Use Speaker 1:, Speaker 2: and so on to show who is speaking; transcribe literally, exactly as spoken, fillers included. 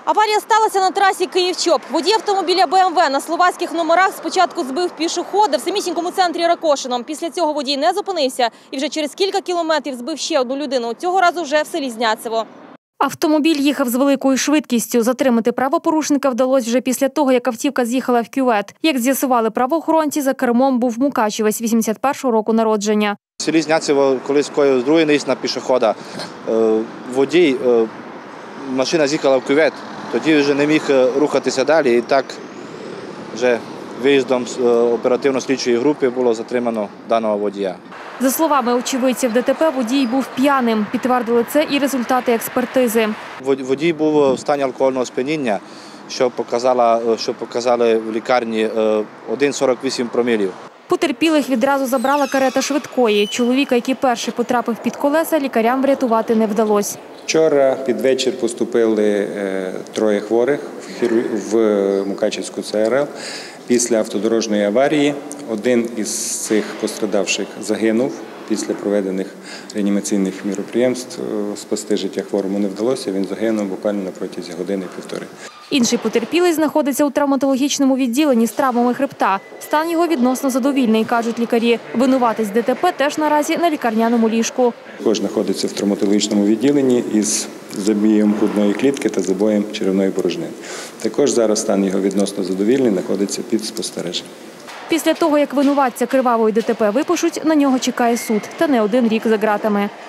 Speaker 1: Аварія сталася на трасі Київ-Чоп. Водій автомобіля Б М В на словацьких номерах спочатку збив пішохода в самісінькому центрі Ракошино. Після цього водій не зупинився і вже через кілька кілометрів збив ще одну людину. Цього разу вже в селі Зняцево. Автомобіль їхав з великою швидкістю. Затримати правопорушника вдалося вже після того, як автівка з'їхала в кювет. Як з'ясували правоохоронці, за кермом був мукачівець вісімдесят першого року народження.
Speaker 2: В селі Зняцево колись скоїв другий наїзд на пішохода. Водій, машина з'їхала в кювет, тоді вже не міг рухатися далі. І так вже виїздом оперативно-слідчої групи було затримано даного водія.
Speaker 1: За словами очевидців Д Т П, водій був п'яним. Підтвердили це і результати експертизи.
Speaker 2: Водій був в стані алкогольного сп'яніння, що показала, що показали в лікарні один цілих сорок вісім промілів.
Speaker 1: Потерпілих відразу забрала карета швидкої. Чоловіка, який перший потрапив під колеса, лікарям врятувати не вдалося.
Speaker 3: Вчора під вечір поступили троє хворих в Мукачівську Це Ер Ел. Після автодорожньої аварії один із цих пострадавших загинув. Після проведених реанімаційних міроприємств спасти життя хворому не вдалося. Він загинув буквально на протязі години-півтори.
Speaker 1: Інший потерпілий знаходиться у травматологічному відділенні з травмами хребта. Стан його відносно задовільний, кажуть лікарі. Винуватець Д Т П теж наразі на лікарняному ліжку.
Speaker 3: Також знаходиться в травматологічному відділенні із забієм грудної клітки та забоєм черевної порожнини. Також зараз стан його відносно задовільний, знаходиться під спостереженням.
Speaker 1: Після того, як винуватця кривавої Д Т П випишуть, на нього чекає суд. Та не один рік за ґратами.